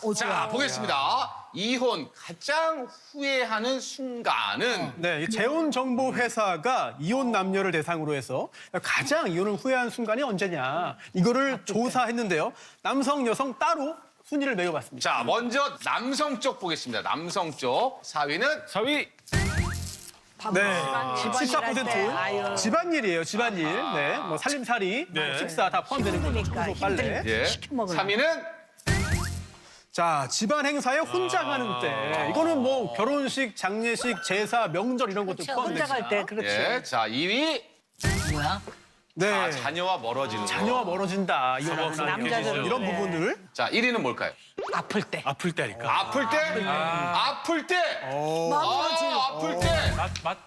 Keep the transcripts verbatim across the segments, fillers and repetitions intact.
자, 보겠습니다. 이혼 가장 후회하는 순간은 네, 이 재혼 정보 회사가 이혼 남녀를 대상으로 해서 가장 이혼을 후회한 순간이 언제냐 이거를 조사했는데요. 남성, 여성 따로 순위를 매겨봤습니다. 자, 먼저 남성 쪽 보겠습니다. 남성 쪽 사 위는 사 위. 네, 집안일 십사 할 때, 퍼센트 아유. 집안일이에요, 집안일. 네, 뭐 살림살이, 네. 식사 다 포함되는 거죠. 힘드니까, 청소, 빨래. 힘드니까. 예. 시켜먹으려고. 삼 위는 자, 집안 행사에 혼자 가는 때. 이거는 뭐 결혼식, 장례식, 제사, 명절 이런 것도 혼자 포함됩니다. 갈 때 그렇지. 예. 자, 이 위 뭐야? 네, 아, 자녀와 멀어지는 거. 자녀와 멀어진다. 이혼하고 나면 남자들은 이런 그래. 부분들. 자, 일 위는 뭘까요? 아플 때. 아플 때니까. 아플 때? 아플 때? 아, 아플 때? 맛, 맛.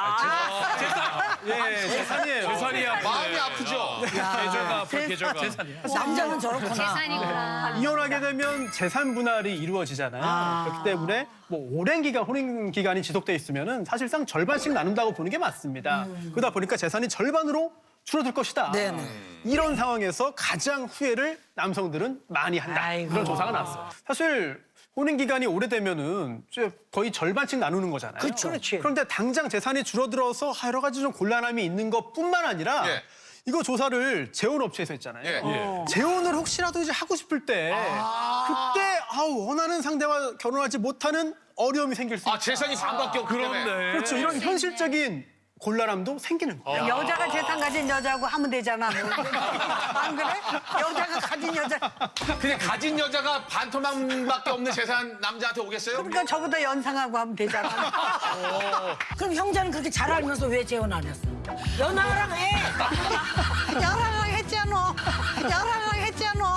예, 재산이에요. 재산이 아프네. 마음이 아프죠? 계절가 아플 계절가. 남자는 저렇구나. 재산이구나. 이혼하게 되면 재산 분할이 이루어지잖아요. 그렇기 때문에 뭐 오랜 기간 혼인 기간이 지속돼 있으면은 사실상 절반씩 나눈다고 보는 게 맞습니다. 그러다 보니까 재산이 절반으로 줄어들 것이다. 네네. 이런 상황에서 가장 후회를 남성들은 많이 한다. 아이고. 그런 조사가 나왔어요. 사실 혼인 기간이 오래되면은 이제 거의 절반씩 나누는 거잖아요. 그렇죠. 그렇지. 그런데 당장 재산이 줄어들어서 여러 가지 좀 곤란함이 있는 것뿐만 아니라 예. 이거 조사를 재혼업체에서 했잖아요. 예. 어. 재혼을 혹시라도 이제 하고 싶을 때 그때 아우 원하는 상대와 결혼하지 못하는 어려움이 생길 수 있다. 아, 재산이 반밖에 없기 때문에. 그런데. 그렇죠. 이런 현실적인 곤란함도 생기는 거예요. 여자가 재산 가진 여자하고 하면 되잖아. 안 그래? 여자가 가진 여자. 근데 가진 여자가 반토막밖에 없는 재산 남자한테 오겠어요? 그러니까 저보다 연상하고 하면 되잖아. 그럼 형제는 그렇게 잘 알면서 왜 재혼 안 했어? 연하랑 해. 연하랑 했잖아. 연하랑 했잖아.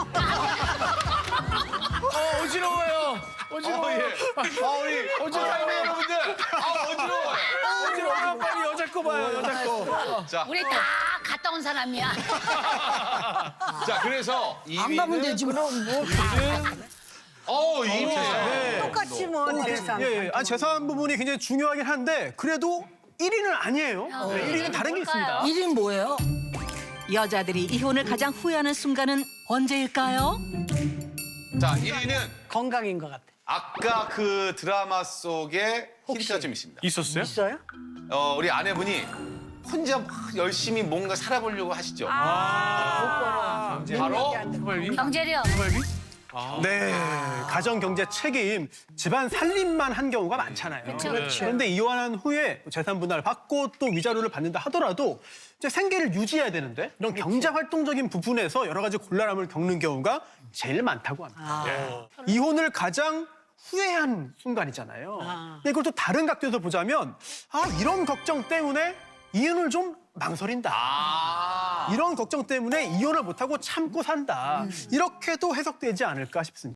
어, 어지러워요. 어, 어지러워요. 예. 아, 우리 어지러워요, 여러분들. 아, 어지러워요. 어지러워요. 빨리 여자 거 봐요, 여자 거. 자, 우리 다 갔다 온 사람이야. 자, 그래서 이 안 가면 위는 되지 그럼 뭐. 어, 이 위는 똑같이 뭐 재산. 예, 예. 아, 재산 부분이 굉장히 중요하긴 한데 그래도 일 위는 아니에요. 네, 일 위는 다른 게 있습니다. 일인 뭐예요? 여자들이 이혼을 가장 후회하는 순간은 언제일까요? 자, 일 위는 건강인 것 같아. 아까 그 드라마 속에 힌트가 좀 있습니다. 있었어요? 있어요? 어, 우리 아내분이 혼자 막 열심히 뭔가 살아보려고 하시죠. 아, 바로 경제력. 네, 가정 경제 책임, 집안 살림만 한 경우가 많잖아요. 그렇죠. 그런데 이혼한 후에 재산 분할 받고 또 위자료를 받는다 하더라도 이제 생계를 유지해야 되는데 이런 경제 활동적인 부분에서 여러 가지 곤란함을 겪는 경우가 제일 많다고 합니다. 네. 이혼을 가장 후회한 순간이잖아요. 근데 이걸 또 다른 각도에서 보자면 아 이런 걱정 때문에 이혼을 좀 망설인다. 아. 이런 걱정 때문에 이혼을 못하고 참고 산다. 이렇게도 해석되지 않을까 싶습니다.